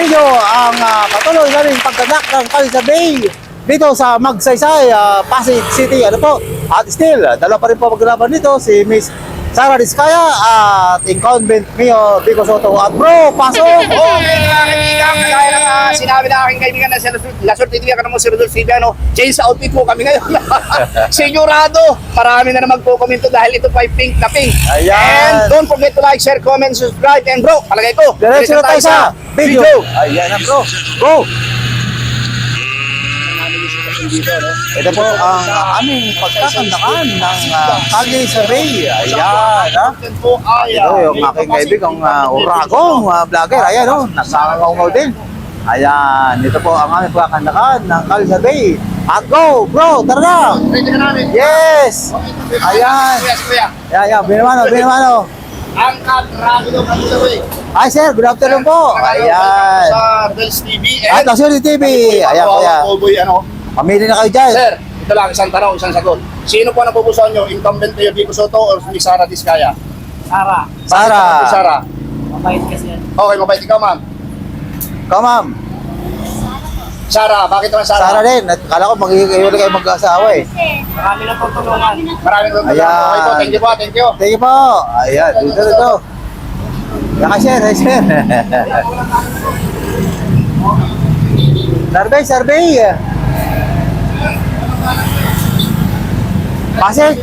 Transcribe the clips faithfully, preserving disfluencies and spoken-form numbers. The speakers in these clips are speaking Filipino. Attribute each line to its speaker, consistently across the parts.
Speaker 1: inyo ang uh, patuloy na rin pagkanak ng Kalisabay dito sa Magsaysay, uh, Pasig City. Ano po? At still, dalawa pa rin po maglalaban dito si Miss Sara Diskaya at incumbent Mayor Vico Soto. At bro, pasok!
Speaker 2: Okay, mga kaibigan, kagaya ng uh, sinabi ng aking kaibigan na si Lasur Titivian ka naman si Rodolfo Silviano, change sa outfit mo kami ngayon. Sigurado, marami na naman magko-komento dahil ito pa ay pink na pink.
Speaker 1: Ayan.
Speaker 2: And don't forget to like, share, comment, subscribe, and bro, palagay ko,
Speaker 1: Diretso na tayo sa video. Ayan na bro. Go! Ito po ang uh, aming pagkakandakan ng uh, Kalisabay. Ayan, ha? Ito yung aking kaibigang uh, uragong uh, vlogger. Ayan, oh, nasangangaw din. Ayan, ito po ang aming pagkakandakan ng Kalisabay. At go, bro, tara na!
Speaker 2: Ready ka namin?
Speaker 1: Yes! Ayan.
Speaker 2: Kuya, si Kuya.
Speaker 1: Ayan, ayan, binamano, binamano.
Speaker 2: Ang katragido ng Kalisabay.
Speaker 1: Ay, sir, good afternoon po. Ayan.
Speaker 2: Sa Dels T V.
Speaker 1: At ang T V. Ayan, kuya.
Speaker 2: Cowboy, ano?
Speaker 1: Pamili na kayo dyan.
Speaker 2: Sir, ito lang, isang tanong, isang sagot. Sino po ang napupusuan nyo? Incumbent Mayor Vico Soto o si Sara Diskaya?
Speaker 3: Sara.
Speaker 1: Sara.
Speaker 2: Si Sara.
Speaker 3: Mabait kasi yan.
Speaker 2: Okay, mabait ikaw, ma'am.
Speaker 1: Ikaw, ma'am.
Speaker 2: Sara, bakit naman Sara?
Speaker 1: Sara din. At kala ko mag-iwala kayo mag-asawa eh.
Speaker 3: Marami na pong tulungan.
Speaker 2: Maraming tulungan.
Speaker 1: Ayan.
Speaker 2: Okay po, thank you po, thank you.
Speaker 1: Thank you po. Ayan, dito, dito. Naka-share, share. Survey, survey. Pasig.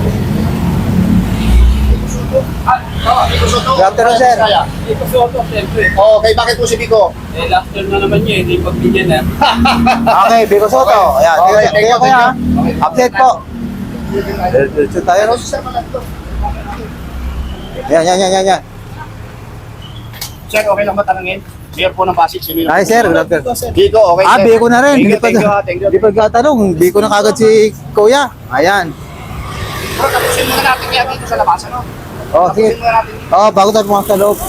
Speaker 2: Ah, oh, Vico Soto.
Speaker 1: Good afternoon, sir.
Speaker 2: Diskaya.
Speaker 3: Ito Soto, siyempre.
Speaker 2: Okay, bakit po si Vico?
Speaker 3: Eh, last term na naman niya, hindi pagbigyan na.
Speaker 1: Okay, Vico Soto. Ayan,
Speaker 2: Okay,
Speaker 1: okay,
Speaker 2: thank you,
Speaker 1: kuya.
Speaker 2: thank you.
Speaker 1: Update po. Dito tayo, no?
Speaker 2: Sir, malagto.
Speaker 1: Yan, yan, yan, yan, yan.
Speaker 2: Sir, okay lang ba tanungin? Mayor po ng Pasig, sino yun?
Speaker 1: Ay, sir, good afternoon.
Speaker 2: Vico, okay,
Speaker 1: Ah,
Speaker 2: sir.
Speaker 1: Biko na rin.
Speaker 2: Thank
Speaker 1: Hindi
Speaker 2: you,
Speaker 1: pa,
Speaker 2: thank you, ha, thank you.
Speaker 1: hindi pa gatanong. Biko na kagad si Kuya. Ayan.
Speaker 2: Bro, tapusin muna natin kaya dito sa labas, ano?
Speaker 1: Oh, sige.
Speaker 2: Tapusin muna natin.
Speaker 1: Oh, bago tayo pumasok sa loob.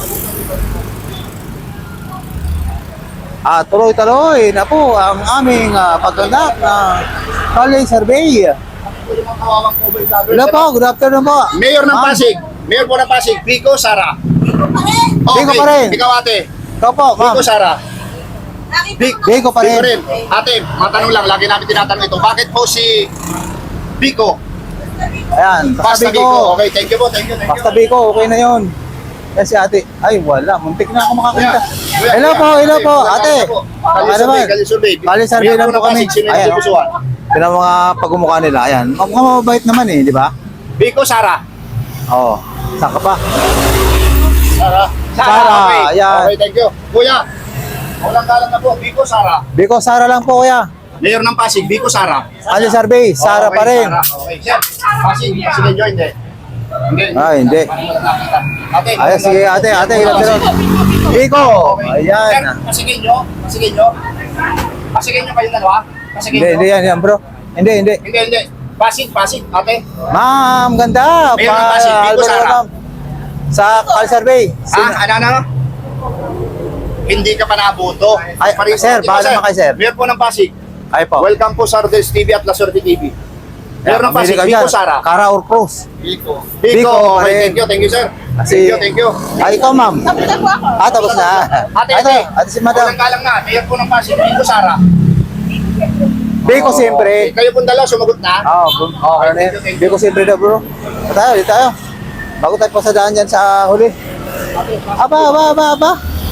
Speaker 1: Ah, tuloy-tuloy na po ang aming uh, paggandak ng College Survey.
Speaker 2: Ito yung mga kawawang cowboy vlogger.
Speaker 1: Hello po, good afternoon po.
Speaker 2: Mayor ng
Speaker 1: Ma'am.
Speaker 2: Pasig. Mayor po ng Pasig, Vico, Sara.
Speaker 1: Vico pa rin.
Speaker 2: Ikaw ate.
Speaker 1: Ikaw po, ma'am.
Speaker 2: Vico, Sara. Vic,
Speaker 1: Vico pa rin.
Speaker 2: Ate, matanong lang, lagi namin tinatanong ito. Bakit po si Vico?
Speaker 1: Ayan, basta
Speaker 2: Basta Vico.
Speaker 1: Vico.
Speaker 2: Okay, thank you po, thank you, thank you.
Speaker 1: Basta Vico, okay na yun. Yan si ate. Ay, wala. Muntik na ako makakita.
Speaker 2: Kuya,
Speaker 1: Hello
Speaker 2: kuya,
Speaker 1: po, hello po,
Speaker 2: kuya,
Speaker 1: ate.
Speaker 2: kuya, po.
Speaker 1: Ano
Speaker 2: Kali survey,
Speaker 1: naman?
Speaker 2: kali survey.
Speaker 1: Kali survey
Speaker 2: Mayor
Speaker 1: lang
Speaker 2: po
Speaker 1: po
Speaker 2: ng
Speaker 1: kami.
Speaker 2: Pasig, sino yung
Speaker 1: Ayan, oh.
Speaker 2: napupusuan?
Speaker 1: Yan ang mga pagmumukha nila. Ayan. Mukhang mababait naman eh, di ba?
Speaker 2: Vico, Sara.
Speaker 1: Oo. Saan ka pa?
Speaker 2: Sara.
Speaker 1: Sara,
Speaker 2: okay.
Speaker 1: ayan.
Speaker 2: Okay, thank you. Kuya, walang galang na po, Vico, Sara.
Speaker 1: Vico, Sara lang po kuya.
Speaker 2: Mayor ng Pasig, Vico, Sara.
Speaker 1: College Survey, Sara
Speaker 2: Okay,
Speaker 1: pa rin.
Speaker 2: Sara. Okay, sir. Pasig, Pasig enjoy, hindi. Hindi.
Speaker 1: Ah, hindi.
Speaker 2: Ate,
Speaker 1: Ayan, sige ate, ate, ilan pero. Vico,
Speaker 2: Sir,
Speaker 1: ayan.
Speaker 2: pasigin nyo, pasigin nyo. Pasigin nyo kayo dalawa. Pasigin
Speaker 1: Hindi,
Speaker 2: nyo.
Speaker 1: hindi yan, yan bro. Hindi, hindi.
Speaker 2: Hindi, hindi. Pasig, Pasig, ate.
Speaker 1: Ma'am, ganda.
Speaker 2: Mayor ng Pasig, Vico,
Speaker 1: Albert,
Speaker 2: Sara.
Speaker 1: ma'am. Sa College Survey.
Speaker 2: Ah, ano, ano? Hindi ka pa nabuto.
Speaker 1: Ay,
Speaker 2: Pareho-
Speaker 1: sir,
Speaker 2: Di ba,
Speaker 1: bahala naman kayo, sir.
Speaker 2: Mayor po ng Pasig.
Speaker 1: Ay po.
Speaker 2: Welcome po sa Rodels T V at La Suerte T V. Mayor ng Pasig,
Speaker 1: Amerika
Speaker 2: Vico,
Speaker 1: dyan.
Speaker 2: Sara.
Speaker 1: Cara or Cruz.
Speaker 2: Vico.
Speaker 1: Vico,
Speaker 2: Vico, okay,
Speaker 1: rin.
Speaker 2: thank you, thank you, sir.
Speaker 1: Kasi-
Speaker 2: Thank you, thank you.
Speaker 1: Ay, ikaw ma'am.
Speaker 4: Tapos na po ako.
Speaker 1: Ah, tapos na.
Speaker 2: Ate,
Speaker 1: Ito,
Speaker 2: ate.
Speaker 1: ate si madam.
Speaker 2: Walang galang na. Mayor po ng Pasig, Vico, Sara.
Speaker 1: Vico siyempre.
Speaker 2: Kayo pong dalawa, sumagot na.
Speaker 1: Oo, oh, oh, ano
Speaker 2: thank you,
Speaker 1: yan.
Speaker 2: thank you.
Speaker 1: Vico siyempre na bro. Dito tayo, dito tayo. Bago tayo pasadaan dyan sa huli. Aba, aba, aba, aba.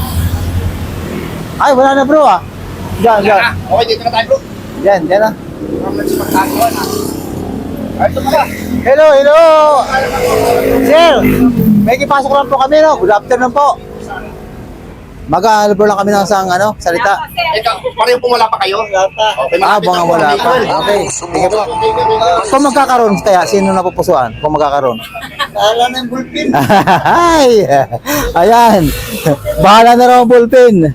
Speaker 1: Ay, wala na bro ah. Diyan, diyan.
Speaker 2: Ah, okay, dito na tayo, bro.
Speaker 1: Diyan, diyan na.
Speaker 2: From Nancy Pagkakawan, ha. Ay, ito pala.
Speaker 1: Hello, hello. Sir, may kipasok lang po kami no. Good afternoon po. Mag-aalabor lang kami ng isang ano, salita.
Speaker 2: Ikaw, pareho pong wala pa kayo? Okay,
Speaker 1: Ah,
Speaker 2: malapit
Speaker 1: baka
Speaker 2: na po,
Speaker 1: wala pa.
Speaker 2: Miguel.
Speaker 1: Okay, sige po.
Speaker 2: Thank you, thank you.
Speaker 1: Kung magkakaroon kaya, sino napupusuan? Kung magkakaroon?
Speaker 2: Wala na yung bullpen.
Speaker 1: Ay, ayan. Bahala na raw ang bullpen.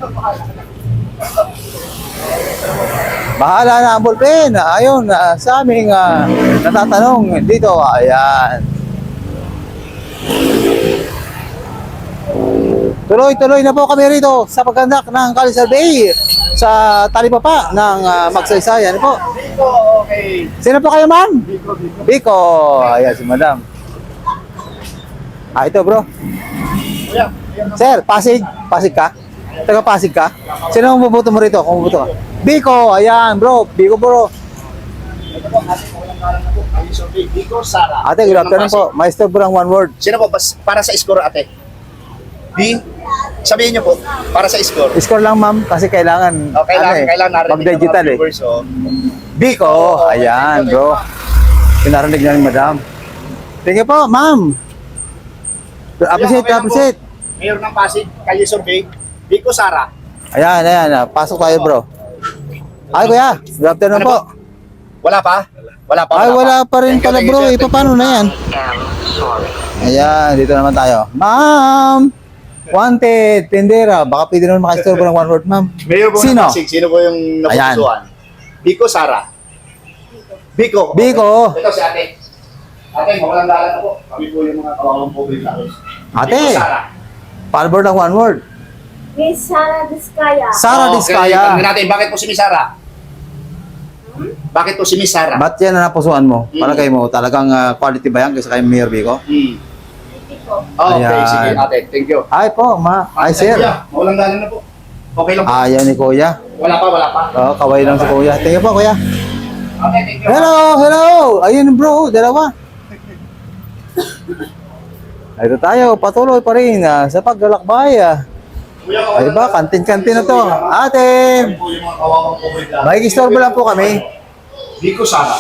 Speaker 1: Bahala na ang bullpen. Ayun, ah, sa aming ah, natatanong dito. Ayan. Tuloy-tuloy na po kami rito sa paggandak ng College Survey sa talipapa ng uh, Magsaysay. Ano po?
Speaker 2: Vico, okay.
Speaker 1: Sino po kayo, ma'am?
Speaker 2: Vico, Vico.
Speaker 1: Biko. Ayan, si madam. Ah, ito bro.
Speaker 2: Kuya, ayan na.
Speaker 1: Sir, Pasig. Pasig ka? Taga Pasig ka? Sino ang bubuto mo rito? Kung bubuto ka? Biko, ayan bro. Biko bro.
Speaker 2: Ito po, ate, walang kalang na po. Kali survey, Biko, Sara.
Speaker 1: Ate, good afternoon po. Maestro Burang one word.
Speaker 2: Sino po, bas, para sa score, ate? B? Sabihin niyo po, para sa score.
Speaker 1: Score lang ma'am kasi kailangan
Speaker 2: Oh, kailangan,
Speaker 1: ano eh,
Speaker 2: kailangan narinig ng mga
Speaker 1: mag-digital eh.
Speaker 2: viewers, oh.
Speaker 1: Biko,
Speaker 2: Oo,
Speaker 1: ayan
Speaker 2: thank you,
Speaker 1: bro. Pinarinig na ni madam. Thank you po, ma'am. Appreciate,
Speaker 2: okay lang po.
Speaker 1: appreciate.
Speaker 2: Mayor ng Pasig, Kalye Survey, Biko, Sara.
Speaker 1: Ayan, ayan. ah, Pasok tayo bro. Ay kuya, good afternoon
Speaker 2: Ano
Speaker 1: po.
Speaker 2: Wala pa? Wala pa?
Speaker 1: Ay, wala pa rin
Speaker 2: Thank you,
Speaker 1: pala
Speaker 2: thank you,
Speaker 1: bro.
Speaker 2: sir.
Speaker 1: Eh, paano na yan? Ayan, dito naman tayo. Ma'am! Wanted, tendera. Baka pwede naman makistorbo ng one word, ma'am.
Speaker 2: Mayor po
Speaker 1: Sino?
Speaker 2: ng Pasig, sino po yung napupusuan? Biko, Sara. Biko.
Speaker 1: Biko.
Speaker 2: Ito si ate. Ate, mawalang dalan na po. Kami po yung mga kawawang public natin.
Speaker 1: Ate.
Speaker 2: Biko, Sara.
Speaker 1: Palbor ng one word.
Speaker 4: Miss Sara Diskaya.
Speaker 1: Sara
Speaker 2: Oh,
Speaker 1: Diskaya.
Speaker 2: Okay, natin, bakit po si Miss Sara? Bakit po si Miss Sara?
Speaker 1: Ba't yan na napusuan mo?
Speaker 2: Mm.
Speaker 1: Para kayo mo, talagang ah, quality ba yan kaysa kay Mayor Biko?
Speaker 2: Hmm.
Speaker 4: Hindi po.
Speaker 2: Oh, okay,
Speaker 1: Ayan.
Speaker 2: sige ate. Thank you.
Speaker 1: Ay po, ma. Ay, sir.
Speaker 2: Kuya, mawalang dalan na po. Okay lang po.
Speaker 1: Ayaw ni kuya.
Speaker 2: Wala pa, wala pa.
Speaker 1: Oo, kaway lang si kuya. Thank you po, kuya.
Speaker 2: Okay, thank you.
Speaker 1: Hello, hello. Ayun bro, dalawa. Ito tayo, patuloy pa rin ah, sa paglalakbay. Ah.
Speaker 2: Kuya,
Speaker 1: Ay ba, kantin-kantin na to. Ate,
Speaker 2: Kami po yung mga kawawang public natin.
Speaker 1: makikistorbo lang po kami.
Speaker 2: Biko, Sara.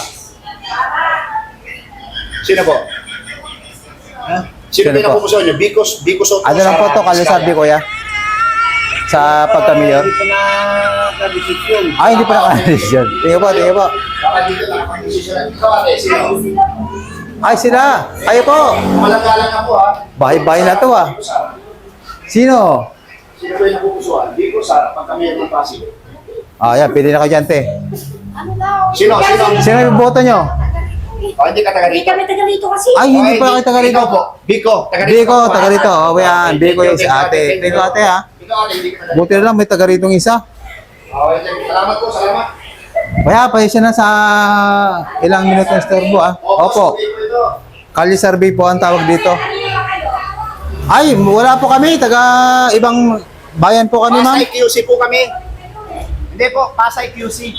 Speaker 2: Sino po? Ha? Sino
Speaker 1: Sino
Speaker 2: po yung
Speaker 1: po?
Speaker 2: napupusuan niyo? Biko, Biko Soto,
Speaker 1: Ano lang po to, kalisabi kuya? Sa pagka-mayor?
Speaker 3: Hindi pa nakakadesisyon.
Speaker 1: Ay, hindi pa nakakadesisyon. Tingnan po, tingnan po.
Speaker 2: Baka dito na kapag-desisyon. Ikaw ate, sino?
Speaker 1: Ay, sila. Kayo po.
Speaker 2: Malanggalan na po ha.
Speaker 1: Bahay-bahay na to ah.
Speaker 2: Biko, Sara.
Speaker 1: Sino?
Speaker 2: Sino po yung napupusuan? Biko, Sara, pagka mayor ng Pasig.
Speaker 1: Ah, yan, pili na kayo dyan, te.
Speaker 4: Ano daw?
Speaker 2: Sino? Sino?
Speaker 1: Sino yung boto nyo?
Speaker 2: Oh, hindi ka taga
Speaker 4: Hindi
Speaker 2: rito.
Speaker 4: kami taga rito kasi.
Speaker 1: Ay, hindi
Speaker 2: Okay,
Speaker 1: pa kayo taga rito.
Speaker 2: ikaw po. Biko, taga rito.
Speaker 1: Biko, taga rito. Oh, yan.
Speaker 2: Okay,
Speaker 1: Biko
Speaker 2: thank
Speaker 1: yung
Speaker 2: you,
Speaker 1: si
Speaker 2: thank you,
Speaker 1: ate.
Speaker 2: thank
Speaker 1: Thank you, ate, ha.
Speaker 2: Ikaw ate, hindi ka taga
Speaker 1: Buti na lang, may taga ritong isa.
Speaker 2: Okay, thank you. Salamat po, salamat.
Speaker 1: Kaya, pasensya na sa ilang minuto ng storbo, ah. Opo.
Speaker 2: Biko ito.
Speaker 1: Kali survey po ang tawag dito. Ay, wala po kami. Taga ibang bayan po kami, ma'am.
Speaker 2: Pasay Q C po kami. Hindi po, Pasay Q C.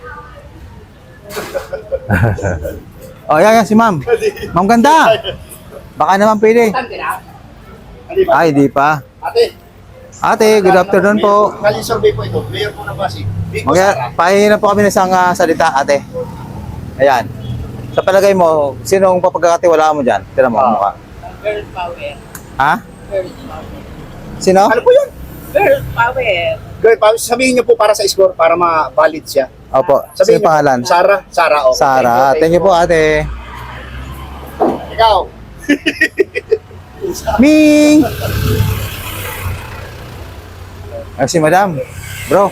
Speaker 1: Oh, yan, yan si ma'am. Ma'am ganda. Baka naman pwede.
Speaker 2: Tante na. Hindi ba?
Speaker 1: Ay, di pa.
Speaker 2: Ate.
Speaker 1: Ate, good afternoon po.
Speaker 2: Kali survey po ito. Mayor po ng Pasig. Biko,
Speaker 1: Mag
Speaker 2: Sara.
Speaker 1: pahingi na po kami ng isang ah, salita, ate. Ayan. Sa palagay mo, sinong papagkakatiwalaan mo dyan? Tira mo,
Speaker 2: Ah.
Speaker 1: mukha.
Speaker 3: Girl power.
Speaker 1: Ha?
Speaker 3: Girl power.
Speaker 1: Sino?
Speaker 2: Ano po yun?
Speaker 3: Girl power.
Speaker 2: Girl, pa- sabihin niyo po para sa score, para ma-valid siya.
Speaker 1: Opo. Sino
Speaker 2: Sabihin niyo po.
Speaker 1: pangalan?
Speaker 2: Sara. Sara, oh.
Speaker 1: Sara. Thank you po, ate.
Speaker 2: Ikaw.
Speaker 1: Ming! Ay, si madam. Bro.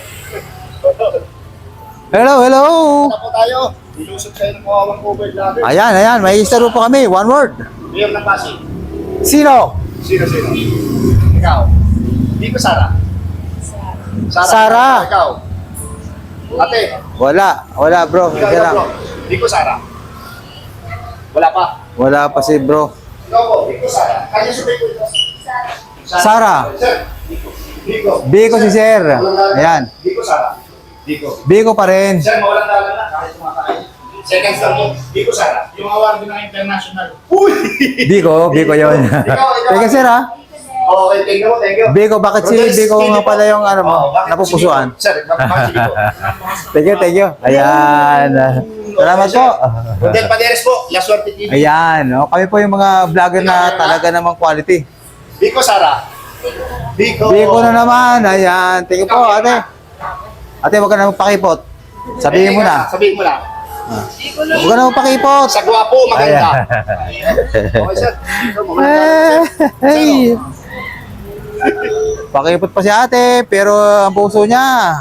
Speaker 1: Hello, hello.
Speaker 2: Ano po tayo? Ilusot kayo ng kawawang cover vlogger.
Speaker 1: Ayan, ayan. May istaro po kami. One word.
Speaker 2: Mayor ng Pasig.
Speaker 1: Sino?
Speaker 2: Sino, sino? Ikaw. Biko, Sara. Sara.
Speaker 1: Sara.
Speaker 2: Ikaw. Ate.
Speaker 1: Wala. Wala, bro.
Speaker 2: Ikaw,
Speaker 1: Sige
Speaker 2: ikaw,
Speaker 1: lang.
Speaker 2: bro. Biko, Sara. Wala pa.
Speaker 1: Wala pa si bro.
Speaker 2: Ikaw po, Biko, Sara. Kanya sa Biko ito.
Speaker 1: Sara.
Speaker 2: Sir, Biko. Biko.
Speaker 1: Biko si sir. Ayan.
Speaker 2: Biko, Sara. Biko.
Speaker 1: Biko pa rin.
Speaker 2: Sir, mawalang dalan na kahit kumakain. Second star po, Biko, Sara. Yung award ng international. Uy!
Speaker 1: Biko, Biko yun.
Speaker 2: Ikaw, ikaw.
Speaker 1: Thank you, sir, ha?
Speaker 2: Okay, thank you po, thank you.
Speaker 1: Biko, bakit si
Speaker 2: Rodriguez,
Speaker 1: Biko
Speaker 2: hindi
Speaker 1: nga
Speaker 2: po.
Speaker 1: pala yung ano mo,
Speaker 2: Oo, bakit si
Speaker 1: napupusuan?
Speaker 2: Biko? Sir, bakit si Biko?
Speaker 1: Thank you, thank you. Ayan. Salamat po.
Speaker 2: Rodel Paderes po, La Suerte T V.
Speaker 1: Ayan. Oh, kami po yung mga vlogger na talaga namang quality.
Speaker 2: Biko, Sara. Biko.
Speaker 1: Biko na naman. Ayan. Thank you po, ate. Ate, huwag ka na magpakipot. Sabihin mo na.
Speaker 2: Sabihin mo na.
Speaker 1: Huwag ka na magpakipot.
Speaker 2: Sa gwapo, maganda.
Speaker 1: Ayan.
Speaker 2: Okay, sir. Sir, mamaya
Speaker 1: Eh,
Speaker 2: na. Sir,
Speaker 1: hey. Pakipot pa si ate, pero ang puso niya.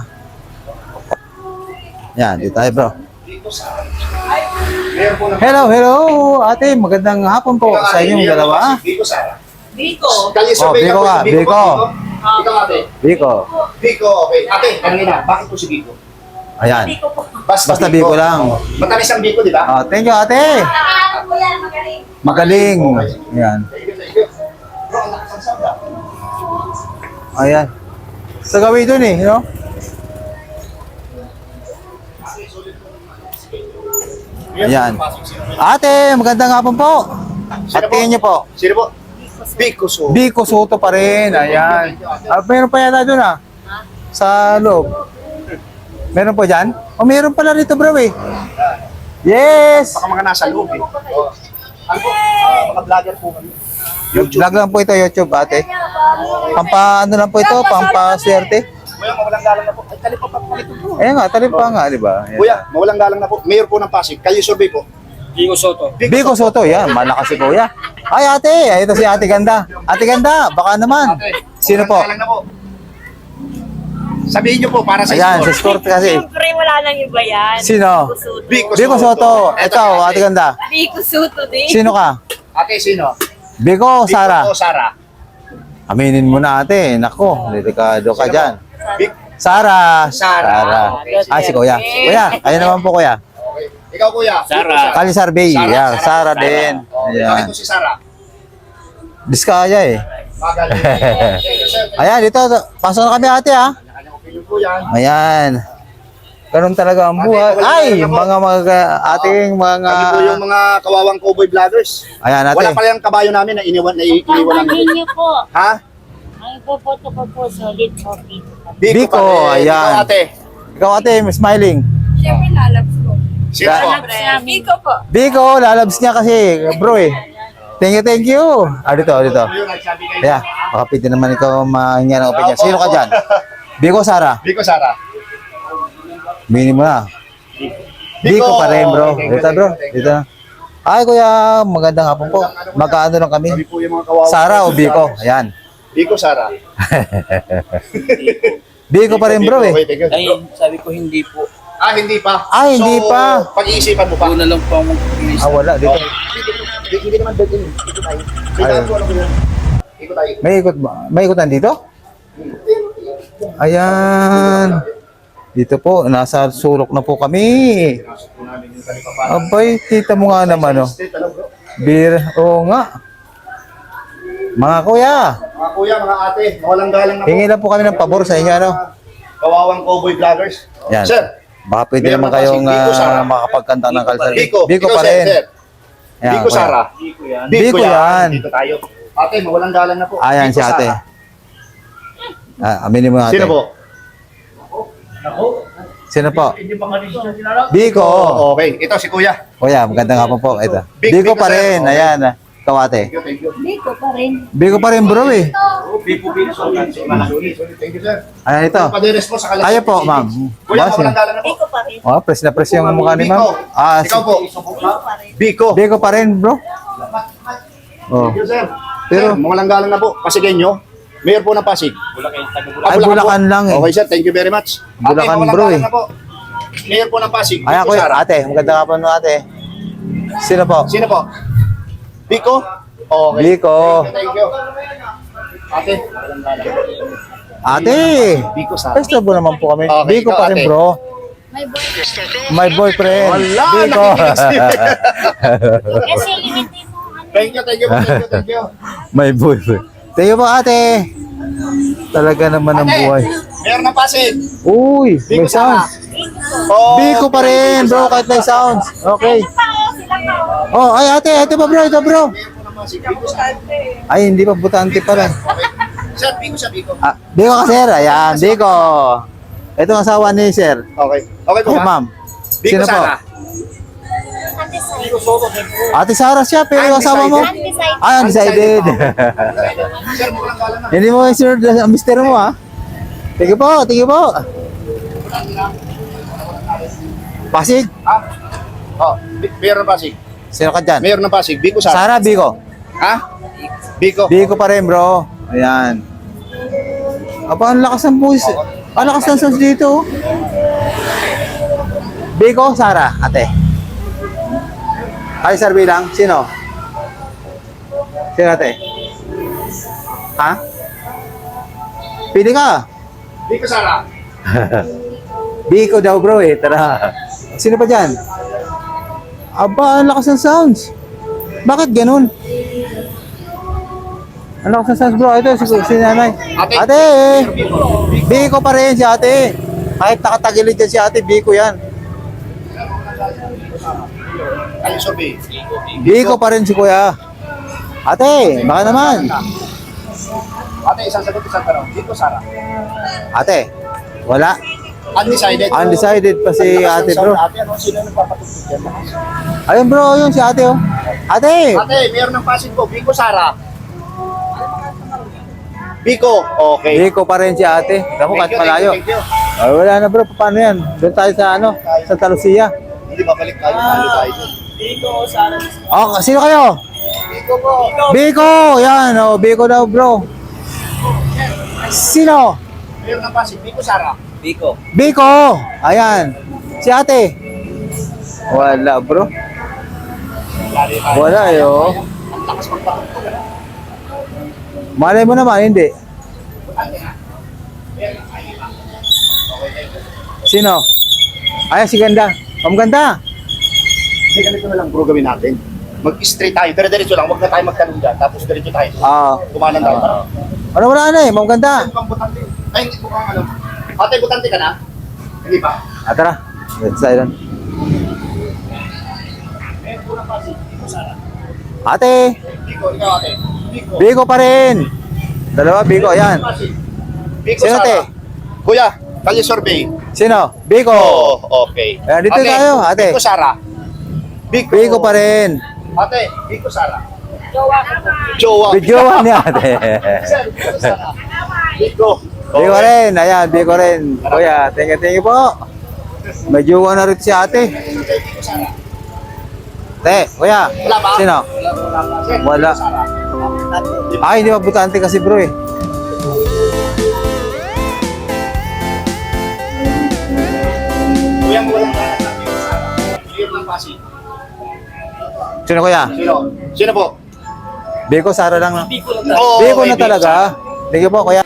Speaker 1: Yan, dito tayo bro.
Speaker 2: Biko, Sara. Mayor po ng
Speaker 1: Hello, hello, ate. Magandang hapon po
Speaker 2: Ikaw,
Speaker 1: sa
Speaker 2: ate,
Speaker 1: inyong
Speaker 2: Mayor ng
Speaker 1: dalawa.
Speaker 2: Pasig. Biko, Sara.
Speaker 3: Biko.
Speaker 2: Kali
Speaker 1: Oh,
Speaker 2: survey
Speaker 1: Biko
Speaker 2: po,
Speaker 1: ka,
Speaker 2: Biko
Speaker 1: Biko.
Speaker 2: po, Ikaw, ate.
Speaker 1: Biko.
Speaker 2: Biko, okay. Ate, kanina, bakit po si Biko?
Speaker 1: Ayan.
Speaker 4: Biko po.
Speaker 1: Basta Biko lang.
Speaker 2: Matamis ang Biko, di ba?
Speaker 1: Oh, thank you, ate.
Speaker 4: Nakakaano po yan, magaling.
Speaker 1: Magaling. Ayan.
Speaker 2: Thank you, thank you. Bro, ang lakas ang sound, ah.
Speaker 1: Ayan. Sa gawin dun eh, no? Ayan. Ate, magandang hapon po. At tingin niyo po,
Speaker 2: Sino po? Biko so.
Speaker 1: Biko Soto pa rin. Ayan. Ah, meron pa yata dun ah. Sa loob. Meron po dyan? O meron pala rito bro eh. Yes!
Speaker 2: Baka mga nasa loob eh. Oh. Ano po? Ah, mga vlogger po kami. YouTube.
Speaker 1: Vlog lang po ito, YouTube ate. Pampa ano lang po ito, pampaswerte.
Speaker 2: Kuya, mawalang galang na po. Ay, tali pa pa po ito po.
Speaker 1: Ayan nga, talip pa nga, di ba? Ayan.
Speaker 2: Kuya, mawalang galang na po. Mayor po ng Pasig. Kayo survey po.
Speaker 5: Biko Soto.
Speaker 1: Biko Soto, yan, malakas si kuya. Ay ate, ay, ito si ate ganda. Ate ganda, baka naman. Sino po?
Speaker 2: Mawalang galang na po. Sabihin niyo po para sa
Speaker 1: Ayan, si
Speaker 2: score.
Speaker 1: Sport kasi.
Speaker 3: Siyempre, wala nang iba yan.
Speaker 1: Sino?
Speaker 2: Biko
Speaker 1: Biko Soto,
Speaker 2: Eto,
Speaker 1: ikaw, ate ganda.
Speaker 3: Biko Soto din.
Speaker 1: Sino ka?
Speaker 2: Ate, sino?
Speaker 1: Biko o Sara?
Speaker 2: Biko o Sara?
Speaker 1: Aminin mo na ate, nako, delikado ka dyan.
Speaker 2: Bik.
Speaker 1: Sara.
Speaker 2: Sara.
Speaker 1: Ah, si kuya. Kuya, ayun naman po kuya.
Speaker 2: Okay. Ikaw, kuya.
Speaker 5: Sara.
Speaker 1: Kali Sarbay, yan, Sara din.
Speaker 2: Oh,
Speaker 1: Ayan.
Speaker 2: bakit po si Sara?
Speaker 1: Diskaya eh.
Speaker 2: Magaling. Thank you, sir.
Speaker 1: Ayan, dito, pasok na kami ate ha.
Speaker 2: Kanya-kanyang opinion po yan.
Speaker 1: Ayan. Ganun talaga ang buhay. Ay, mga mga ating mga...
Speaker 2: Kami po yung mga kawawang cowboy vloggers.
Speaker 1: Ayan ate.
Speaker 2: Wala pala yung kabayo namin na iniwan na i- iniwan namin.
Speaker 6: Pagpapalhin niyo po.
Speaker 2: Ha?
Speaker 6: Ang ipopoto ko po, solid coffee.
Speaker 2: pa
Speaker 1: Biko,
Speaker 2: rin.
Speaker 1: ayan.
Speaker 2: Ikaw, ate.
Speaker 1: Ikaw ate, smiling.
Speaker 3: Siyempre, lalabs ko.
Speaker 2: Sino po?
Speaker 6: Lalabs namin.
Speaker 3: Biko po.
Speaker 1: Biko, lalabs niya kasi, bro eh. Thank you, thank you. Ah, dito, dito.
Speaker 2: Yun, nagsabi kayo.
Speaker 1: Kaya, baka pwede naman ikaw mahinga ng opinion. Sino ka dyan? Biko, Sara.
Speaker 2: Biko, Sara.
Speaker 1: Bini mo na. Biko pa rin, bro.
Speaker 2: Thank you,
Speaker 1: Dito, bro.
Speaker 2: thank you, thank you.
Speaker 1: Dito na. Ay, kuya, magandang hapon po. Magkaano lang kami?
Speaker 2: Kami po yung mga kawawang
Speaker 1: Sara o
Speaker 2: cowboy
Speaker 1: Biko?
Speaker 2: vloggers.
Speaker 1: Ayan.
Speaker 2: Biko, Sara.
Speaker 1: Biko pa rin, bro eh.
Speaker 2: Okay, thank you.
Speaker 5: Ay, sabi ko hindi po.
Speaker 2: Ah, hindi pa.
Speaker 1: Ah, hindi
Speaker 2: so,
Speaker 1: pa.
Speaker 2: pag-iisipan mo pa.
Speaker 5: Una lang po ang mag-inis.
Speaker 1: Ah, wala. Dito.
Speaker 2: Hindi, hindi naman bed in. Ikot tayo. Tingnan ko ano ko yun. Ikot tayo.
Speaker 1: May ikot ba? May ikotan dito? Ayan. Dito po, nasa sulok na po kami. Abay, kita mo nga naman, oh. Bir, oo nga. Mga kuya,
Speaker 2: Mga kuya, mga ate, mawalang galang na po.
Speaker 1: hingi lang po kami ng pabor sa inyo, ano?
Speaker 2: Kawawang cowboy vloggers.
Speaker 1: Yan.
Speaker 2: Sir,
Speaker 1: Baka pwede
Speaker 2: Meron
Speaker 1: naman
Speaker 2: pa si
Speaker 1: kayong
Speaker 2: Biko, Sara.
Speaker 1: uh, makapagkanta ng kalsar.
Speaker 2: Biko.
Speaker 1: Biko
Speaker 2: Ikaw,
Speaker 1: pa
Speaker 2: sir,
Speaker 1: rin.
Speaker 2: sir.
Speaker 1: Ayan,
Speaker 2: Biko,
Speaker 1: kuya.
Speaker 2: Sara.
Speaker 5: Biko yan.
Speaker 1: Biko yan.
Speaker 2: Dito tayo. Ate, mawalang galang na po.
Speaker 1: Ayan
Speaker 2: Biko,
Speaker 1: si ate.
Speaker 2: Sara.
Speaker 1: Ah, aminin mo ate.
Speaker 2: Sino po?
Speaker 1: Sino po?
Speaker 2: Hindi pa kanina siya sinara.
Speaker 1: Biko.
Speaker 2: Oh, okay. Ito si kuya.
Speaker 1: Kuya, magandang hapon po. Ito.
Speaker 2: Big-
Speaker 1: Biko
Speaker 2: Biko,
Speaker 1: pa
Speaker 2: sir.
Speaker 1: rin.
Speaker 2: Okay.
Speaker 1: Ayan. ah. Ikaw ate.
Speaker 2: Thank you, thank you.
Speaker 6: Biko pa rin.
Speaker 1: Biko pa rin bro eh.
Speaker 2: Biko, Biko. Sorry, sorry, sorry. Thank you, sir.
Speaker 1: Ayan ito.
Speaker 2: Paderes po sa kalas.
Speaker 1: Tayo po, ma'am.
Speaker 2: Kuya,
Speaker 1: Boss,
Speaker 2: mawalang galang na po.
Speaker 3: Biko pa rin.
Speaker 1: Oh, press na press yung mukha ni ma'am. Ah,
Speaker 2: Ikaw po. Biko.
Speaker 1: Biko pa rin, bro. Oh.
Speaker 2: Thank you, sir.
Speaker 1: Pero-
Speaker 2: Sir, mawalang galang na po. Pasigenyo. Mayor po ng Pasig.
Speaker 5: Bulacan, taga
Speaker 2: Ah,
Speaker 1: Ay, Bulacan
Speaker 2: po.
Speaker 1: lang eh.
Speaker 2: Okay, sir. Thank you very much.
Speaker 1: Bulacan,
Speaker 2: ate, mawalang
Speaker 1: bro,
Speaker 2: galang
Speaker 1: eh.
Speaker 2: na po. Mayor po ng Pasig.
Speaker 1: Ayan,
Speaker 2: Biko,
Speaker 1: kuya.
Speaker 2: Sara.
Speaker 1: Ate, magandang hapon mo ate. Sino po?
Speaker 2: Sino po? Biko? Okay.
Speaker 1: Biko.
Speaker 2: Thank you. Ate, mawalang galang.
Speaker 1: Ate.
Speaker 2: Biko, Sara.
Speaker 1: Festival naman po kami.
Speaker 2: Okay,
Speaker 1: Biko
Speaker 2: ikaw,
Speaker 1: pa rin,
Speaker 2: ate.
Speaker 1: bro.
Speaker 6: May boy.
Speaker 1: My boyfriend.
Speaker 2: Wala,
Speaker 1: Biko.
Speaker 2: nakikinig si-
Speaker 6: Kasi hindi mo ano.
Speaker 2: Thank you, thank you, thank you, thank you.
Speaker 1: My boyfriend. Thank you po, ate. Talaga naman ang buhay.
Speaker 2: Mayor ng Pasig.
Speaker 1: Uy,
Speaker 2: Biko,
Speaker 1: may sounds.
Speaker 2: Oh,
Speaker 1: Biko pa rin, bro, kahit may sounds. Okay. Oh, ay ate, ate pa bro, ito bro.
Speaker 2: Mayor po ng Pasig. Biko, Sara.
Speaker 1: Ay, hindi pa butante pala.
Speaker 2: Okay. Sir, Biko siya, Biko.
Speaker 1: Ah, Biko ka sir, ayan, Biko. Ito ang asawa ni sir.
Speaker 2: Okay. Okay po,
Speaker 1: Ay, ma'am.
Speaker 2: Biko,
Speaker 1: Sino po?
Speaker 2: Sara.
Speaker 6: Undecided.
Speaker 1: Ate Sarah siya, pero yung asawa mo?
Speaker 6: Undecided.
Speaker 1: Ay, undecided.
Speaker 2: Sir, mawalang galang na po.
Speaker 1: Hindi mo yung sir, ang mister mo ha. Tingin po, tingin po. Pasig.
Speaker 2: Ah? Oh, Bi- Mayor ng Pasig.
Speaker 1: Sino ka dyan?
Speaker 2: Mayor ng Pasig. Biko, Sara.
Speaker 1: Sarah, Biko.
Speaker 2: Ha? Biko.
Speaker 1: Biko pa rin bro. Ayan. Aba, ang lakas ng buwis. Ang lakas ng sounds dito. Biko, Sarah, ate. Ay, sir, bilang. Sino? Sino ate? Ha? Pili ka.
Speaker 2: Biko, Sara.
Speaker 1: Biko daw bro eh. Tara. Sino pa dyan? Aba, ang lakas ng sounds. Bakit ganun? Ano sa sans bro? Ito si, si nanay.
Speaker 2: Ate.
Speaker 1: Ate!
Speaker 2: Sir Biko.
Speaker 1: Biko pa rin si ate. Kahit nakatagilid dyan si ate, Biko yan.
Speaker 2: Kali survey.
Speaker 1: Biko pa rin si kuya. Ate, baka naman.
Speaker 2: Ate, isang sagot, isang tanong. Biko, Sara.
Speaker 1: Ate, wala.
Speaker 2: Undecided.
Speaker 1: Undecided pa si ate bro.
Speaker 2: Ate, ano, sino nang papatugtog yan?
Speaker 1: Ayun bro, yun si ate oh. Ate!
Speaker 2: Ate, mayroon ng Pasig po. Biko, Sara. Biko. Okay.
Speaker 1: Biko pa rin si ate. Naku, kahit
Speaker 2: Thank you,
Speaker 1: malayo.
Speaker 2: thank you, thank you.
Speaker 1: Ay, wala na bro, paano yan? Doon tayo sa ano, sa Talusia.
Speaker 2: Hindi ba balik tayo? Talo tayo.
Speaker 5: Dito, sana.
Speaker 1: Oh, sino kayo?
Speaker 2: Biko po.
Speaker 1: Biko! Yan, oh, Biko daw bro. Sino?
Speaker 2: Mayroon ng Pasig. Biko, Sara.
Speaker 5: Biko.
Speaker 1: Biko! Ayan. Si ate. Wala bro.
Speaker 2: Lari tayo.
Speaker 1: Wala eh oh.
Speaker 2: Ang lakas magpatugtog. ano?
Speaker 1: Malay mo naman, hindi. Sino? Ay, si Ganda. Ang ganda.
Speaker 2: Hindi, ganito na lang bro gawin natin. Mag-straight tayo. Pero diretso lang. Huwag na tayo magtanong dyan. Tapos diretso tayo.
Speaker 1: Ah.
Speaker 2: Kumanan tayo.
Speaker 1: Ah. Ano wala na eh, ang ganda.
Speaker 2: Mukhang butante. Ay, hindi mukhang ano. Ate, butante ka na? Hindi pa.
Speaker 1: Ah, tara. Let's try doon.
Speaker 2: Mayroon po ng Pasig. Biko, Sara.
Speaker 1: Ate,
Speaker 2: Biko, ikaw ate. Biko.
Speaker 1: Biko pa rin. Dalawa, Biko, ayan.
Speaker 2: Pasig. Biko,
Speaker 1: Sino,
Speaker 2: Sara.
Speaker 1: ate?
Speaker 2: Kuya, kalye survey.
Speaker 1: Sino? Biko.
Speaker 2: Oh, okay.
Speaker 1: Ayan, dito tayo, ate.
Speaker 2: Biko, Sara. Biko.
Speaker 1: Biko pa rin.
Speaker 2: Ate, Biko, Sara.
Speaker 3: Jowa ko po.
Speaker 2: Jowa.
Speaker 1: Videoan niya, ate.
Speaker 2: Sir, Biko, Sara. Biko.
Speaker 1: Biko rin, ayan, Biko rin. Kuya, thank you, thank you po. May jowa na rin si ate.
Speaker 2: Biko, Sara.
Speaker 1: Te, kuya,
Speaker 2: Wala ba?
Speaker 1: sino?
Speaker 2: Wala ba? Sir,
Speaker 1: Wala.
Speaker 2: Biko, Sara.
Speaker 1: Ay, hindi pa butante kasi bro eh.
Speaker 2: Kuya, mo walang galang ng Biko, Sara. Biko ng Pasig.
Speaker 1: Sino kuya?
Speaker 2: Sino? Sino po?
Speaker 1: Biko, Sara lang.
Speaker 5: Biko lang tayo.
Speaker 2: Oo,
Speaker 1: Biko
Speaker 2: okay,
Speaker 1: na talaga. Thank you po, kuya.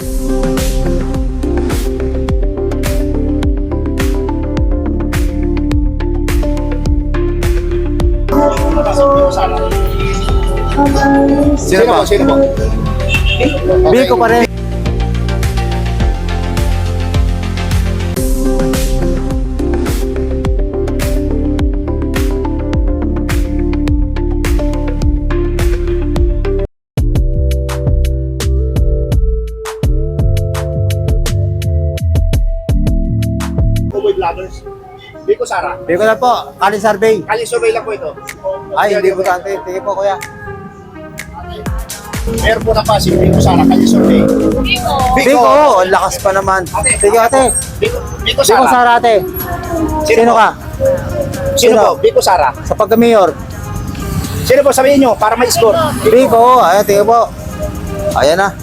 Speaker 2: Biko, Sara.
Speaker 1: Sino po?
Speaker 2: Sino po?
Speaker 1: Biko pa rin.
Speaker 2: Cowboy Vloggers. Biko, Sara.
Speaker 1: Biko na po, Kali Survey.
Speaker 2: Kali survey lang po ito.
Speaker 1: Ay, hindi butante. Thank you po, kuya.
Speaker 2: Meron po na Pasig. Biko, Sara. Kali survey.
Speaker 3: Biko.
Speaker 1: Biko, ang lakas pa naman. Thank you, ate.
Speaker 2: Biko, Biko,
Speaker 1: Biko,
Speaker 2: Sara.
Speaker 1: Sara, ate. Sino
Speaker 2: po?
Speaker 1: ka?
Speaker 2: Sino
Speaker 1: Sino?
Speaker 2: po? Biko, Sara.
Speaker 1: Sa pagka-mayor.
Speaker 2: Sino po? Sabihin nyo para may score.
Speaker 1: Biko, ayan, thank you po. Ayan na.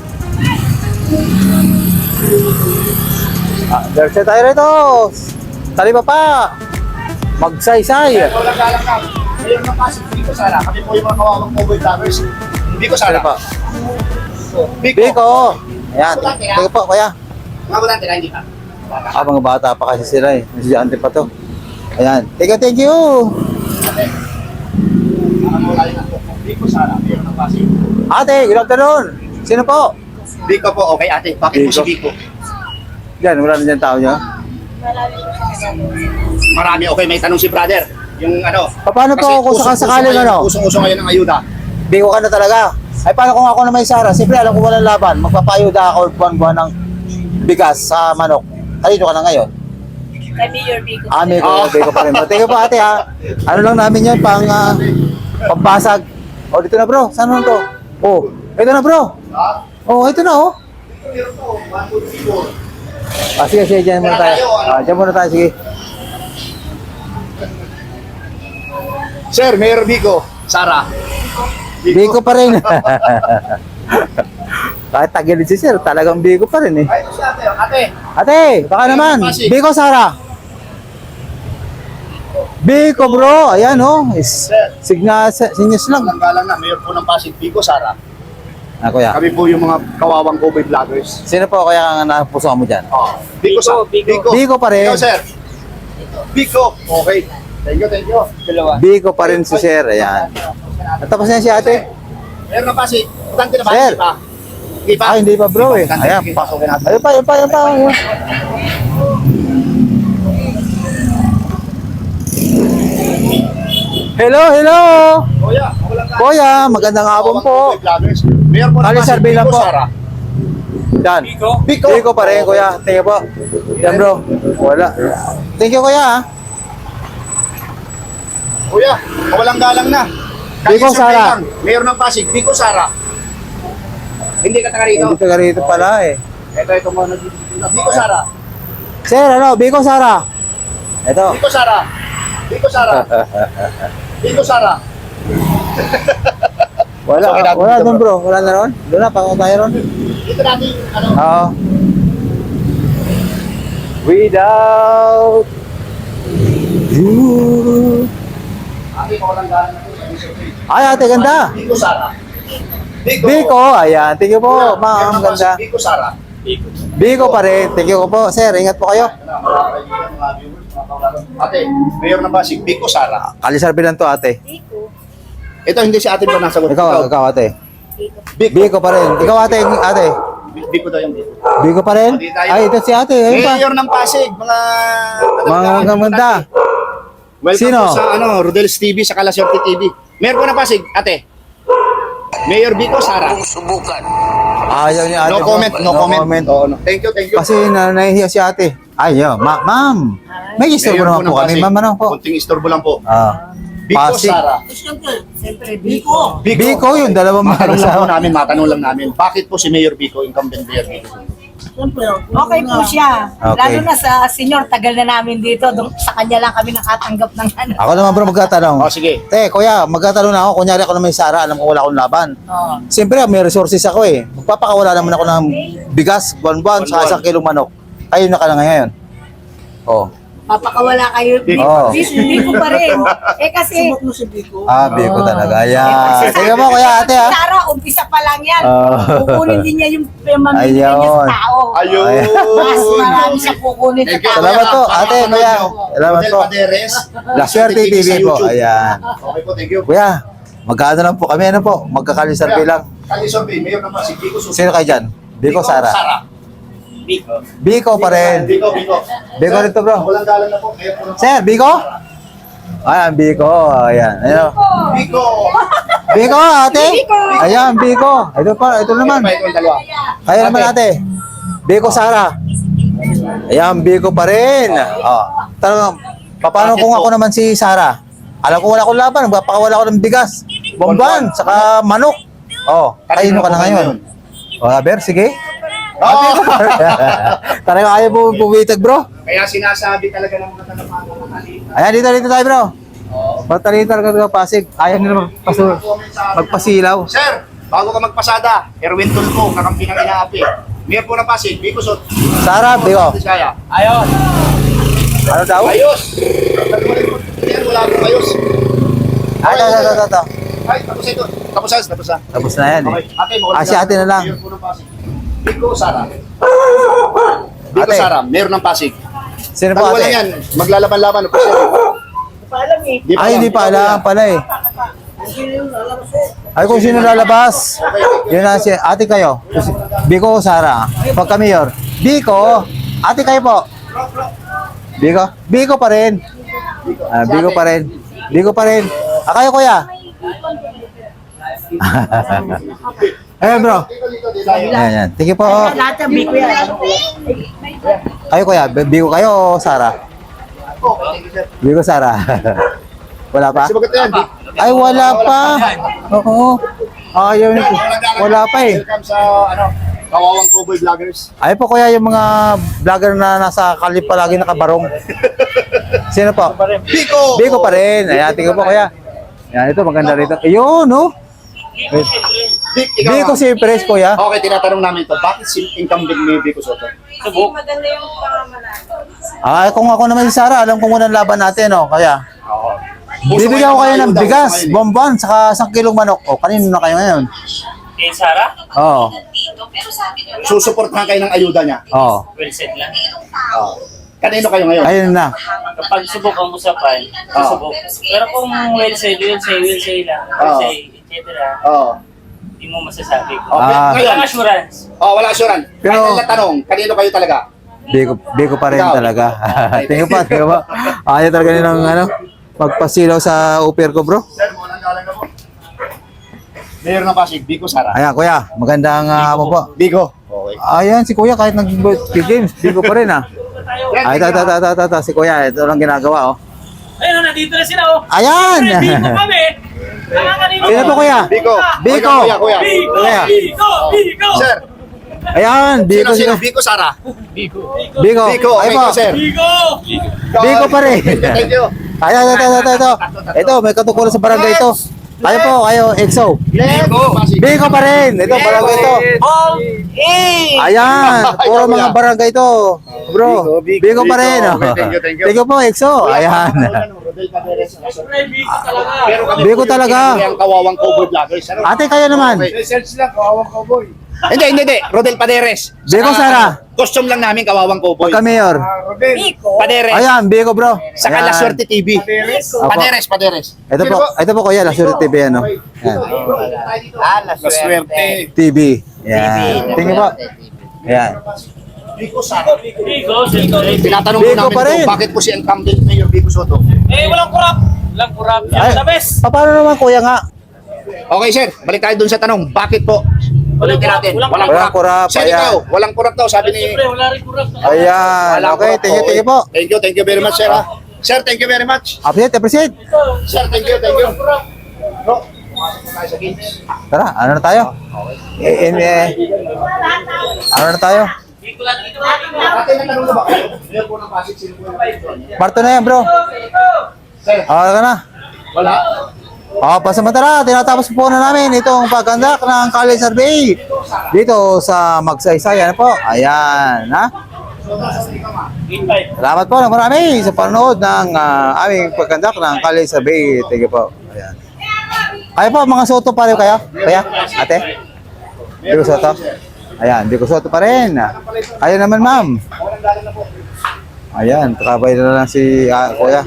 Speaker 1: Ah, Diretso tayo rito. Taliba pa. Magsaysay.
Speaker 2: Walang galang lang. Meron na Pasig. Biko, Sara. Kami po yung mga kawawang cowboy vloggers. Biko,
Speaker 1: Sino
Speaker 2: Sara.
Speaker 1: po?
Speaker 2: Biko.
Speaker 1: Biko. Ayan, thank you po, kuya.
Speaker 2: Mga bulante na, hindi pa.
Speaker 1: Ah, mga bata pa kasi sila eh. Estudyante pa to. Ayan. Thank you, thank you.
Speaker 2: Ate. Para mawala yung ako. Biko, Sara. Meron na Pasig.
Speaker 1: Ate, good afternoon. Sino po?
Speaker 2: Biko po. Okay, ate. Bakit po
Speaker 1: Biko.
Speaker 2: si Biko?
Speaker 1: Diyan, wala na dyan tao niya.
Speaker 2: Marami. Okay, may tanong si brother. Yung ano.
Speaker 1: Paano po kung sakasakaling ano?
Speaker 2: Usong-uso ngayon ang ayuda.
Speaker 1: Biko ka na talaga. Ay, paano kung ako na may Sara? Siyempre, alam ko walang laban. Magpapayuda ako buwan-buwan ng bigas sa manok. Kanino ka na ngayon?
Speaker 3: Kami your Biko.
Speaker 1: Ami ko,
Speaker 2: Ah.
Speaker 1: Biko pa rin. Thank you po, ate, ha. Ano lang namin yun, pang uh, pampasag. O, dito na, bro. Saan naman to? Oh, ito na, bro.
Speaker 2: Ha?
Speaker 1: Oh, ito na, oh.
Speaker 2: Meron po. one, two, three, four.
Speaker 1: Ah, sige, sige, dyan muna tayo. Ah, dyan muna tayo, sige.
Speaker 2: Sir, Mayor Biko. Sara.
Speaker 1: Biko pa rin. Kahit tagilid si sir, talagang Biko pa rin eh.
Speaker 2: Ay, ito si ate. Ate.
Speaker 1: Ate, baka naman. Biko, Sara. Biko, bro. Ayan, oh. Is, signa, sinyas lang.
Speaker 2: Walang galang na. Mayor po ng Pasig. Biko, Sara.
Speaker 1: Ah, kuya.
Speaker 2: Kami po yung mga kawawang cowboy vloggers.
Speaker 1: Sino po kaya ang napuso mo dyan?
Speaker 2: Oh. Biko, Sa-
Speaker 5: Biko.
Speaker 1: Biko pa rin.
Speaker 2: Ikaw, sir. Biko. Okay. Thank you, thank you.
Speaker 5: Dalawa.
Speaker 1: Biko pa rin si sir. Ayan. Natapos na si ate.
Speaker 2: Meron na Pasig. Butante na ba?
Speaker 1: Sir.
Speaker 2: Hindi pa. Hindi pa?
Speaker 1: Ah, hindi pa bro eh. Ayan, pa. Ayun pa, ayun pa, ayun pa. Ayun. Hello, hello.
Speaker 2: Kuya, wala ka.
Speaker 1: Kuya, magandang hapon po.
Speaker 2: Mayor po
Speaker 1: Kali
Speaker 2: naman si
Speaker 1: survey lang
Speaker 2: Biko
Speaker 1: po.
Speaker 2: Sara.
Speaker 1: Yan.
Speaker 5: Biko?
Speaker 2: Biko.
Speaker 1: Biko pa rin, kuya. Thank you po. Yan bro. Wala. Thank you kuya. ah.
Speaker 2: Kuya, walang galang na. Kali
Speaker 1: Biko
Speaker 2: survey
Speaker 1: Sara.
Speaker 2: lang. Mayor ng Pasig, Biko Sara. Hindi ka taga rito.
Speaker 1: Hindi taga rito pala eh.
Speaker 2: Ito, ito mo. Biko Sara.
Speaker 1: Sir, ano? Biko Sara. Ito.
Speaker 2: Biko Sara. Biko Sara. Biko Sara.
Speaker 1: Wala,
Speaker 2: Okay, natin
Speaker 1: wala
Speaker 2: dito,
Speaker 1: doon bro. Wala na ron. Doon na, pango tayo ron.
Speaker 2: Dito natin, ano?
Speaker 1: Oo. Without you.
Speaker 2: Ate, walang galang na ito.
Speaker 1: Ay, ate, ganda.
Speaker 2: Biko Sara.
Speaker 1: Biko, ayan. Thank you po,
Speaker 2: Kuya,
Speaker 1: ma'am.
Speaker 2: Mayor ng
Speaker 1: Ganda.
Speaker 2: Pasig, Biko Sara.
Speaker 5: Biko.
Speaker 1: Biko pa rin. Thank you po. Sir, ingat po kayo.
Speaker 2: Ate, Mayor ng Pasig, Biko Sara.
Speaker 1: Kalisarbi lang to, ate.
Speaker 2: Ito hindi si ate ba nasagot?
Speaker 1: Ikaw, ikaw, ate.
Speaker 2: Biko.
Speaker 1: Biko pa rin. Ikaw, ate. Ate.
Speaker 2: Biko daw yung Biko.
Speaker 1: Biko pa rin?
Speaker 2: Hindi tayo.
Speaker 1: Ay, ito si ate. Ayun pa.
Speaker 2: Mayor ng Pasig, mga...
Speaker 1: Mga maganda.
Speaker 2: Welcome
Speaker 1: Sino?
Speaker 2: po sa ano, Rodel's T V, sa Kalasyorte T V. Mayor po ng Pasig, ate. Mayor Biko Sara.
Speaker 1: Ayaw ni ate.
Speaker 2: No
Speaker 1: po.
Speaker 2: comment, no, comment. Oo, no. Thank you, thank you.
Speaker 1: Kasi na nahihiya si ate. Ayaw. Ma ma'am. May istorbo
Speaker 2: Mayor
Speaker 1: naman po
Speaker 2: ng
Speaker 1: kami.
Speaker 2: Pasig.
Speaker 1: Ma'am, ano po?
Speaker 2: Kunting istorbo lang po.
Speaker 1: Ah.
Speaker 2: Biko
Speaker 1: Pasig.
Speaker 2: Sara.
Speaker 3: Siyempre, Biko.
Speaker 1: Biko, yung dalawang
Speaker 2: Matanong lang po
Speaker 1: mahalasawa.
Speaker 2: namin, matanong lang namin. Bakit po si Mayor Biko, incumbent Mayor Biko?
Speaker 3: Okay po siya.
Speaker 1: Okay.
Speaker 3: Lalo na sa senior, tagal na namin dito. Doon, sa kanya lang kami nakatanggap ng ano.
Speaker 1: Ako naman bro magtatanong.
Speaker 2: O, sige.
Speaker 1: Te, kuya, magtatanong na ako. Kunyari ako na may Sara, alam ko wala akong laban.
Speaker 3: Oh.
Speaker 1: Siyempre, may resources ako eh. Magpapakawala naman ako ng bigas, buwan-buwan, sa
Speaker 2: Buwan-buwan.
Speaker 1: isang kilong manok. Ayun na ka na ngayon. Oh.
Speaker 3: Papakawala kayo. Biko,
Speaker 1: Oo.
Speaker 3: Biko, Biko pa rin. Eh kasi...
Speaker 1: Ah, Biko talaga.
Speaker 3: Eh,
Speaker 1: Ayan.
Speaker 3: kasi
Speaker 1: Sige mo, kuya, ate ah.
Speaker 3: Sara, umpisa pa lang yan.
Speaker 1: Oo.
Speaker 3: Kukunin din niya yung pamamili niya
Speaker 1: Ayun.
Speaker 3: sa tao.
Speaker 2: Ayun.
Speaker 3: Mas marami siya kukunin sa
Speaker 2: Thank you,
Speaker 3: tao.
Speaker 1: Salamat po,
Speaker 2: kuya.
Speaker 1: ate,
Speaker 2: Papanood
Speaker 1: kuya.
Speaker 2: nyo.
Speaker 1: Salamat
Speaker 2: Rodel
Speaker 1: po.
Speaker 2: Paderes.
Speaker 1: La Suerte T V
Speaker 2: sa
Speaker 1: po.
Speaker 2: YouTube.
Speaker 1: Ayan.
Speaker 2: Okay po, thank you.
Speaker 1: Kuya, magkano lang po kami, ano po? Magkakalisarpi lang.
Speaker 2: Kali survey, Mayor ng Pasig, Biko Suso.
Speaker 1: Sino kayo dyan? Biko, Sara.
Speaker 5: Biko.
Speaker 1: Biko pa rin.
Speaker 2: Biko, Biko.
Speaker 1: Biko rin to, bro.
Speaker 2: Walang galang na po. Mayor po ng
Speaker 1: Sir, Biko? Ayan, Biko. Ayan. Ayan.
Speaker 2: Biko.
Speaker 1: Biko, ate. Ayan, Biko. Ito pa, ito naman.
Speaker 2: Ito yung dalawa.
Speaker 1: Kaya naman ate. Biko, Sara. Ayan, Biko pa rin. Oh. Talagang, paano kung ako naman si Sara? Alam ko wala akong laban. Magpapakawala ako ng bigas. Bomban, saka manok. Oh, kayo ka na ngayon. Oh, Ber, sige.
Speaker 2: Oh.
Speaker 1: Talaga ayaw po puwitag, bro.
Speaker 2: Kaya sinasabi talaga ng mga talamangan ng halina.
Speaker 1: Ayan, dito, dito tayo, bro. Matalino talaga talaga Pasig. Ayaw nila magpasu magpasilaw.
Speaker 2: Sir, bago ka magpasada, Erwin Tulfo, kakampi ng inaapi. Mayor po ng Pasig, Biko Sot.
Speaker 1: Sara, Biko.
Speaker 2: Kaya.
Speaker 5: Ayos.
Speaker 1: Ano daw?
Speaker 2: Ayos! Yan, wala akong ayos.
Speaker 1: Ah, ito, ito, ito, ito.
Speaker 2: Ay, tapos ito. Tapos na, tapos na.
Speaker 1: Tapos na yan
Speaker 2: Okay,
Speaker 1: eh.
Speaker 2: ate, mawala
Speaker 1: Ah, si ate na lang.
Speaker 2: Mayor po ng Pasig. Biko Sara. Biko
Speaker 1: Ate.
Speaker 2: Sara, Mayor ng Pasig.
Speaker 1: Sino po
Speaker 2: Pag wala
Speaker 1: ate?
Speaker 2: yan, maglalaban-laban. Ano po siya?
Speaker 3: Paalam eh.
Speaker 2: Di pa
Speaker 1: Ay,
Speaker 2: yan,
Speaker 1: hindi pa
Speaker 2: di
Speaker 1: alam pala eh. Ay, kung sino lalabas. Yun na si ate kayo. Biko o Sara? Pagka mayor. Biko. Ate kayo po. Biko? Biko pa rin. Ah, Biko pa rin. Biko pa rin. Ah, kayo kuya? Ayun bro.
Speaker 2: Dito, dito, dito.
Speaker 1: Ayan, yan. Thank you po.
Speaker 3: Lahat ng Biko yan.
Speaker 1: Kayo kuya, Biko kayo o Sara? Biko Sara. Wala pa?
Speaker 2: Kasi bagay yan.
Speaker 1: Ay, wala pa. Oo. Ayaw niyo po. Wala pa eh.
Speaker 2: Welcome sa, ano, Kawawang Cowboy Vloggers.
Speaker 1: Ay po kuya yung mga vlogger na nasa kalip palagi nakabarong. Sino po?
Speaker 2: Biko!
Speaker 1: Biko pa rin. Ayan, tingnan po kuya. Yan, ito maganda rito. Ayun, no?
Speaker 2: Bik, ikaw
Speaker 1: Biko
Speaker 2: ah.
Speaker 1: si Pres kuya.
Speaker 2: Okay, tinatanong namin ito. Bakit si incumbent ni Biko Soto?
Speaker 5: Subok.
Speaker 3: Maganda yung pangamalan.
Speaker 1: Ah, kung ako naman si Sara, alam ko muna ang laban natin, no? Kaya,
Speaker 2: Oo.
Speaker 1: bibigyan ko kayo ng
Speaker 2: Ayuda,
Speaker 1: bigas,
Speaker 2: gusto ngayon eh.
Speaker 1: bomban, saka isang kilong manok. O, kanino na kayo ngayon?
Speaker 5: Kay Sara?
Speaker 1: Oo.
Speaker 2: Susuportahan kayo ng ayuda niya.
Speaker 1: Oo.
Speaker 5: Well said lang.
Speaker 2: Oo. Kanino kayo ngayon?
Speaker 1: Ayun na.
Speaker 5: Kapag subok ang usapan, susubok. Pero kung well said, well say, well say lang. Well
Speaker 2: Oo.
Speaker 5: say, et cetera.
Speaker 2: Oo.
Speaker 5: Hindi mo masasabi.
Speaker 2: Okay,
Speaker 1: Ah.
Speaker 2: ngayon.
Speaker 5: Walang assurance.
Speaker 2: Oh, wala assurance.
Speaker 1: Pero-
Speaker 2: Final na tanong, kanino kayo talaga?
Speaker 1: Biko, Biko pa rin
Speaker 2: Ikaw.
Speaker 1: talaga. Tingnan pa, tingnan pa. Ayaw talaga nilang ano, magpasilaw sa upir ko, bro.
Speaker 2: Sir, walang galang na po. Mayor ng Pasig, Biko Sara.
Speaker 1: Ayan, kuya, magandang uh, hapon po.
Speaker 2: Biko. Okay.
Speaker 1: Ayan, si kuya, kahit nag-games, Biko pa rin ah. Ay, ito, ito, ito, ito, ito, si kuya, ito lang ginagawa, oh.
Speaker 7: Ayun, nandito na sila, oh.
Speaker 1: Ayan!
Speaker 7: Biko kami. Nakakalimutan.
Speaker 1: Sino po, kuya?
Speaker 2: Biko.
Speaker 1: Biko.
Speaker 2: Kuya, kuya.
Speaker 7: Biko,
Speaker 1: Kuya.
Speaker 7: Biko, Biko.
Speaker 2: Sir,
Speaker 1: Ayan, Biko,
Speaker 2: sino, sino?
Speaker 1: sino?
Speaker 2: Biko Sara.
Speaker 1: Biko.
Speaker 2: Biko,
Speaker 1: Ay
Speaker 2: okay
Speaker 1: po.
Speaker 2: po, sir.
Speaker 7: Biko.
Speaker 1: Biko pa rin.
Speaker 2: Thank you.
Speaker 1: Ayan, ito, ito, ito, ito. Ito, may katukulan sa barangay ito. Kayo po, kayo, E X O.
Speaker 2: Biko.
Speaker 1: Biko pa rin. Ito, barangay ito. Ayan, puro mga barangay ito. Bro,
Speaker 2: Biko,
Speaker 1: Biko pa
Speaker 2: Biko.
Speaker 1: rin. oh.
Speaker 2: Okay, thank you, thank you.
Speaker 1: Thank you po, E X O. Ayan.
Speaker 7: Siyempre, Biko talaga.
Speaker 2: Pero kami
Speaker 1: Biko
Speaker 2: po yung
Speaker 1: talaga.
Speaker 2: yung kawawang cowboy vloggers. Ano?
Speaker 1: Ate, kayo naman.
Speaker 2: Okay. Search lang, kawawang cowboy. Hindi, hindi, hindi. Rodel Paderes.
Speaker 1: Biko,
Speaker 2: Saka,
Speaker 1: Sara.
Speaker 2: ano, Costume lang namin, kawawang cowboy.
Speaker 1: Pagka mayor.
Speaker 2: Paderes.
Speaker 1: Ayan, Biko bro.
Speaker 2: Saka
Speaker 1: Ayan.
Speaker 2: La Suerte T V. Paderes, Paderes.
Speaker 1: Ito po, ito po kuya, La Suerte T V ano. Ayan.
Speaker 2: Ah, La Suerte.
Speaker 1: T V. Ayan. Tingin po. Ayan.
Speaker 2: Biko Sara.
Speaker 7: Biko, siyempre.
Speaker 2: Tinatanong
Speaker 1: Biko
Speaker 2: po namin
Speaker 1: pa rin.
Speaker 2: po, bakit po si incumbent Mayor Biko Soto?
Speaker 7: Eh, walang kurap. Walang kurap.
Speaker 1: Ay,
Speaker 7: Yan, the best.
Speaker 1: pa- paano naman kuya nga?
Speaker 2: Okay, sir. Balik tayo dun sa tanong. Bakit po?
Speaker 7: Walang
Speaker 2: Ulitin
Speaker 7: kurap,
Speaker 2: natin.
Speaker 7: walang
Speaker 2: Walang
Speaker 1: kurap.
Speaker 2: kurap. Sir,
Speaker 1: Ayan.
Speaker 2: ikaw, walang kurap daw, sabi ni...
Speaker 7: Siyempre, wala rin kurap.
Speaker 1: Ayan.
Speaker 2: Walang
Speaker 1: Okay,
Speaker 2: kurap
Speaker 1: thank you,
Speaker 2: po.
Speaker 1: thank you po.
Speaker 2: Thank you, thank you very much, sir. ha? Sir, thank you very much.
Speaker 1: Appreciate, appreciate.
Speaker 2: Sir, thank you, thank you. Bro, pumasok na tayo sa games.
Speaker 1: Tara, ano na tayo? Eh, eh, eh, ano na tayo?
Speaker 7: Biko lang dito.
Speaker 2: Ate, natanong na ba kayo? Mayor po ng Pasig, sino po yung Pasig?
Speaker 1: Marto na yan bro.
Speaker 2: Sir,
Speaker 1: Ah, ka na.
Speaker 2: wala.
Speaker 1: Ah, pasamantala, tinatapos po na namin itong pagkandak ng college survey dito sa Magsaysay. Ano po? Ayan, ha?
Speaker 5: Invite.
Speaker 1: Salamat po ng marami sa panonood ng ah, aming pagkandak ng college survey. Thank you po. Ayan. Kayo po, mga Soto pa rin kayo? Kaya? Ate? Di ko Soto? Ayan, di ko Soto pa rin. Kayo naman, ma'am. Ayan, kakabay na lang si ah, kuya.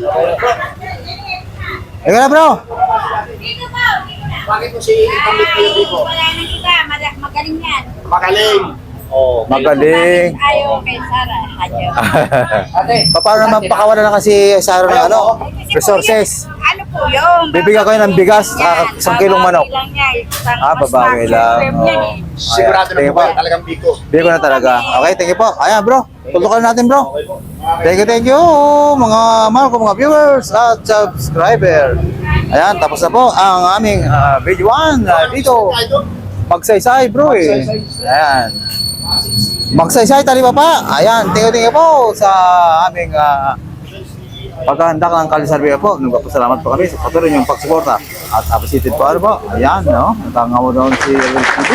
Speaker 1: Ikaw na, bro.
Speaker 4: Dito po, dito na.
Speaker 2: Bakit po si incumbent Mayor Biko?
Speaker 4: Wala na kita, Mada- magaling yan.
Speaker 2: Magaling. Oh,
Speaker 1: Magaling.
Speaker 4: Ayaw kay Sara, hadyo.
Speaker 2: ate.
Speaker 1: Paano naman pakawala na kasi Saro ng ano?
Speaker 4: Kasi
Speaker 1: Resources.
Speaker 4: po yung- Ano po yun?
Speaker 1: Bibigyan kayo ng bigas, ah, isang kilong manok.
Speaker 4: Babawi lang niya, isang
Speaker 1: Ah,
Speaker 4: mas
Speaker 1: babawi lang.
Speaker 4: maximum yan
Speaker 1: Oh.
Speaker 4: eh.
Speaker 2: Sigurado na
Speaker 1: Ayan,
Speaker 2: po ba? Talagang Biko.
Speaker 1: Biko na talaga. Okay, thank you po. Ayan, bro. Tutukan natin, bro. Thank you, thank you, mga mahal ko, mga viewers at subscriber. Ayan, tapos na po ang aming ah, video one ah, dito. Magsaysay, bro eh. Ayan. Magsaysay, taliba pa. Ayan, thank you, thank you po sa aming uh, paghahandak ng kalisarbiya po. Nagpapasalamat po kami sa patuloy niyong pagsuporta. At appreciated po, ano po. Ayan, no? Natangaw doon si L T V.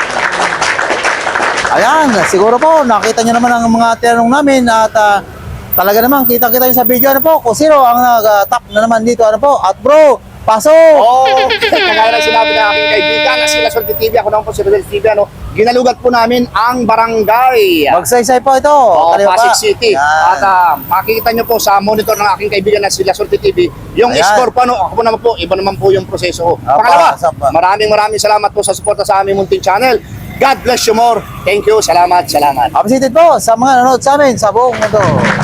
Speaker 1: Ayan, siguro po, nakita niyo naman ang mga tinanong namin at ah, talaga naman, kita-kita niyo sa video, ano po, kung sino ang nag-top na naman dito, ano po. At bro, pasok!
Speaker 2: Oo, oh, kagaya ng sinabi ng aking kaibigan na sila Suerte T V, ako naman po si Rodel T V, ano, ginalugat po namin ang barangay.
Speaker 1: Magsaysay po ito.
Speaker 2: Oh,
Speaker 1: Taliwa pa.
Speaker 2: Pasig City.
Speaker 1: Ayan.
Speaker 2: At ah, makikita nyo po sa monitor ng aking kaibigan na sila Suerte T V, yung
Speaker 1: Ayan.
Speaker 2: score po, ano, ako po naman po, iba naman po yung proseso ko.
Speaker 1: Apa,
Speaker 2: Pangalawa,
Speaker 1: sapa.
Speaker 2: maraming maraming salamat po sa suporta sa aming munting channel. God bless you more. Thank you. Salamat, salamat.
Speaker 1: Appreciated po sa mga nanonood sa amin sa buong mundo.